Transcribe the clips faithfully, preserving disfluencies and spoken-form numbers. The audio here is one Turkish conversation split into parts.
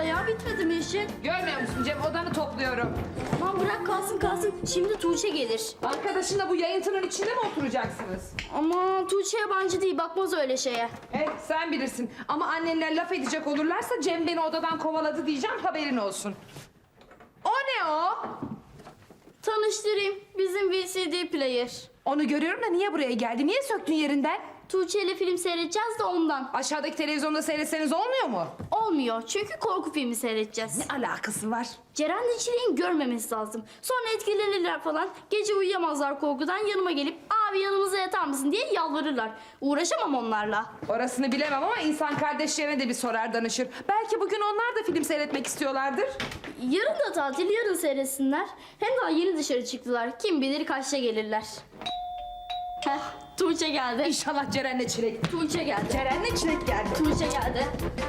ya, bitmedi mi işin? Görmüyor musun Cem, odanı topluyorum. Aman bırak kalsın kalsın, şimdi Tuğçe gelir. Arkadaşınla bu yayıntının içinde mi oturacaksınız? Ama Tuğçe yabancı değil, bakmaz öyle şeye. Eh sen bilirsin ama annenler laf edecek olurlarsa Cem beni odadan kovaladı diyeceğim, haberin olsun. O ne o? Tanıştırayım, bizim V C D player. Onu görüyorum da niye buraya geldi? Niye söktün yerinden? Tuğçe ile film seyredeceğiz de ondan. Aşağıdaki televizyonda seyretseniz olmuyor mu? Olmuyor çünkü korku filmi seyredeceğiz. Ne alakası var? Ceren'le Çilek'in görmemesi lazım. Sonra etkilenirler falan. Gece uyuyamazlar korkudan, yanıma gelip abi yanımıza yatar mısın diye yalvarırlar. Uğraşamam onlarla. Orasını bilemem ama insan kardeşlerine de bir sorar danışır. Belki bugün onlar da film seyretmek istiyorlardır. Yarın da tatil, yarın seyretsinler. Hem daha yeni dışarı çıktılar. Kim bilir kaçta gelirler. Heh, Tuğçe geldi. İnşallah Ceren'le Çilek. Tuğçe geldi. Ceren'le Çilek geldi. Tuğçe geldi.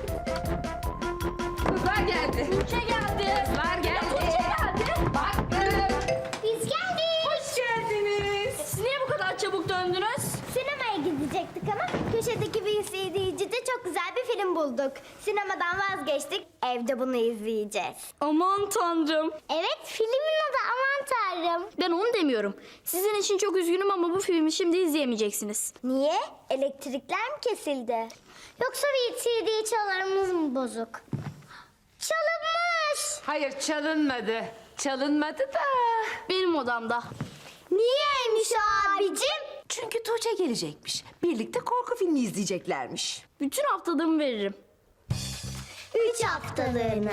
Kızlar geldi. Tuğçe geldi. Kızlar geldi. Tuğçe geldi. Baktım. Biz geldik. Hoş geldiniz. Siz niye bu kadar çabuk döndünüz? Sinemaya gidecektik ama köşedeki V C D'cide çok güzel bir film bulduk. Sinemadan vazgeçtik. Evde bunu izleyeceğiz. Aman tanrım. Evet, filmin adı Aman Tanrım. Ben onu demiyorum. Sizin için çok üzgünüm ama bu filmi şimdi izleyemeyeceksiniz. Niye? Elektrikler mi kesildi? Yoksa V C D çalarımız mı bozuk? Çalınmış. Hayır çalınmadı. Çalınmadı da. Benim odamda. Niyeymiş abicim? Çünkü Tuğçe gelecekmiş. Birlikte korku filmi izleyeceklermiş. Bütün haftalığımı veririm. Üç haftalığına.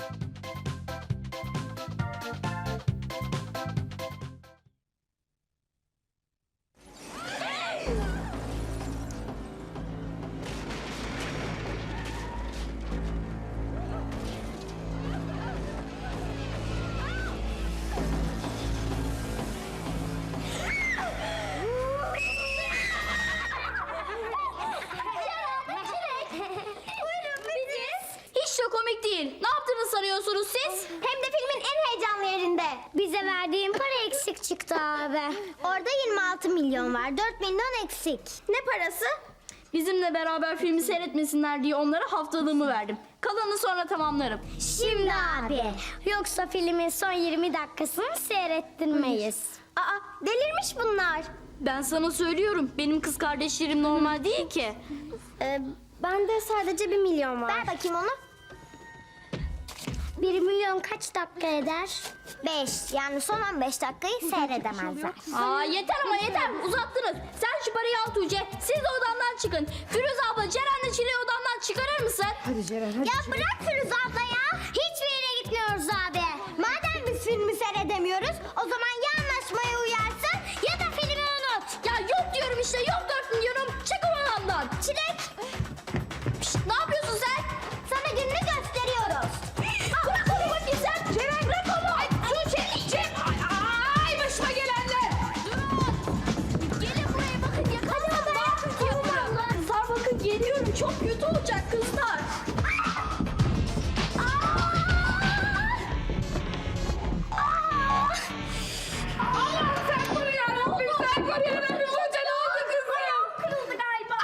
Hiç de komik değil. Ne yaptığını sanıyorsunuz siz? Hem de filmin en heyecanlı yerinde. Bize verdiğin para eksik çıktı abi. Orada yirmi altı milyon var. dört milyon eksik. Ne parası? Bizimle beraber filmi seyretmesinler diye onlara haftalığımı verdim. Kalanını sonra tamamlarım. Şimdi abi. Yoksa filmin son yirmi dakikasını seyrettirmeyiz. Aa, delirmiş bunlar. Ben sana söylüyorum. Benim kız kardeşlerim normal değil ki. Ee, bende sadece bir milyon var. Ver bakayım onu. Bir milyon kaç dakika eder? Beş. Yani son on beş dakikayı seyredemezler. Aa yeter ama yeter. Uzattınız. Sen şu parayı al Tuğçe. Siz de odamdan çıkın. Firuze abla Ceren'le Çile'yi odamdan çıkarır mısın? Hadi Ceren hadi. Ya bırak Firuze abla ya. Hiçbir yere gitmiyoruz abi. Madem biz filmi seyredemiyoruz, o zaman ya anlaşmaya uyarsın ya da filmi unut. Ya yok diyorum işte. Yok dört milyonum. Çık odamdan. Çilek, Şşt, ne yapıyorsun sen? sana gününü gösteriyoruz. Bırak onu bakayım sen. Ceren bırak onu. Ay, Tuğçe. Cem. Ay, ay başıma gelenler. Durun. Gelin buraya bakın. Yakalayalım. Ne yapıyorsun? Kızlar bakın geliyorum. Çok kötü olacak kızlar. Allah'ım sen koru yarabbim. Sen koru yarabbim. Tuğçe ne oldu kızım? Kırıldı galiba.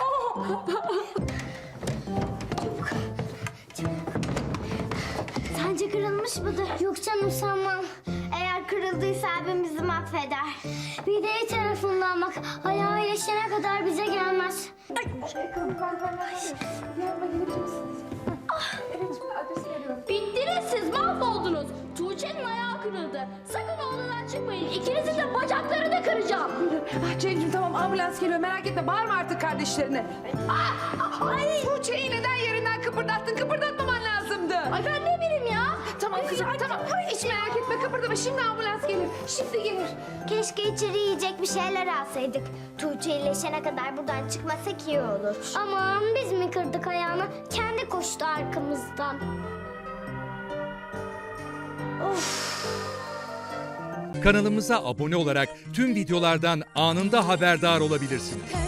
Sence kırılmış mıdır? Yok canım sanmam. Eğer kırıldıysa abim bizi mahveder. Bir de iyi tarafından bak. Ayağı iyileşene kadar bize gelmez. Bittiniz siz, mahvoldunuz. Tuğçe'nin ayağı kırıldı. Sakın odadan çıkmayın. İkinizin de bacaklarını kıracağım. Ah Cem'ciğim tamam ambulans geliyor merak etme. Bağırma artık kardeşlerine. Ah, ay. Tuğçe'yi neden yerinden kıpırdattın? Kıpırdatmaman lazımdı. Ay ben ne bileyim ya. Tamam kızım tamam. Hiç merak etme kıpırdama. Şimdi ambulans gelir. Şimdi gelir. Keşke içeri yiyecek bir şeyler alsaydık. Tuğçe iyileşene kadar buradan çıkmasak iyi olur. Aman biz mi kırdık ayağını? Kendi koştu arkamızdan. Kanalımıza abone olarak tüm videolardan anında haberdar olabilirsiniz.